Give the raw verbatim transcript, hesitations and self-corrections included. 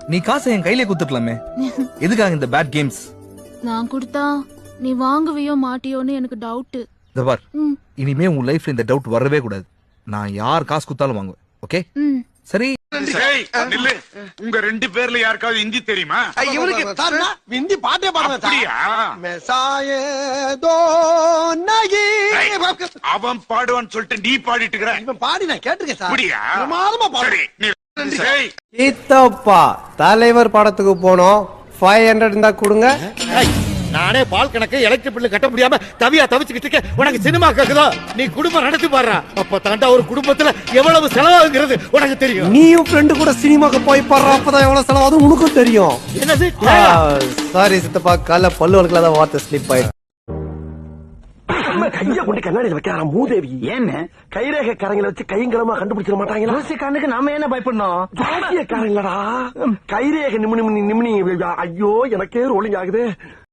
நீ காசை என் கையிலே குத்துக்கலாமே. எதுக்காக இந்த பேட் கேம்ஸ்? நான் கொடுத்தா நீ வாங்குவியோ மாட்டியோன்னு எனக்கு டவுட். இந்த பார், இனிமே உன் லைஃப்ல இந்த டவுட் வரவே கூடாது. நான் யார் காசு குத்தாலும் வாங்குவேன். ஓகே சரி. உங்க ரெண்டு பேர்ல யாருக்காவது ஹிந்தி தெரியுமா? இவனுக்கு ஹிந்தி பாட்டே பாடுவேன். அவன் பாடுவான்னு சொல்லிட்டு நீ பாடிட்டு இருக்கிற. இவன் பாடி நான் கேட்டிருக்கேன் சார். அப்படியா? பிரமாதமா பாடு. சித்தப்பா தலைவர் படத்துக்கு போனோம். ஃபைவ் ஹண்ட்ரட் இருந்தா கொடுங்க. நானே பால் கணக்கு எலக்ட்ரிக் பில்லு கட்ட முடியாம தவியா தவிச்சுக்கிட்டு இருக்கேன். உனக்கு சினிமா கேக்குதோ? நீ குடும்பம் நடத்தி பாடுறா. அப்ப தாண்டா ஒரு குடும்பத்துல எவ்வளவு செலவாகுங்கிறது உனக்கு தெரியும். நீயும் ஃப்ரெண்டு கூட சினிமாக்கு போய் பாடுற, அப்பதான் எவ்வளவு செலவாகும் உனக்கும் தெரியும். என்னது? சாரி சித்தப்பா, கால பல்லு வளர்க்கல வார்த்தை ஸ்லிப் ஆயிடுச்சு. கைய கொண்டு கண்ணாடியில் வைக்கிறாரா மூதேவி? ஏன்னு கைரேகை காரங்களை வச்சு கைங்கலமா கண்டுபிடிச்சிட மாட்டாங்களா? கண்ணுக்கு நாம என்ன பயப்படணும்? ஜாக்கிய காரங்களடா கைரேகை நிமினி நிமினி. ஐயோ எனக்கே ரோலிங் ஆகுது.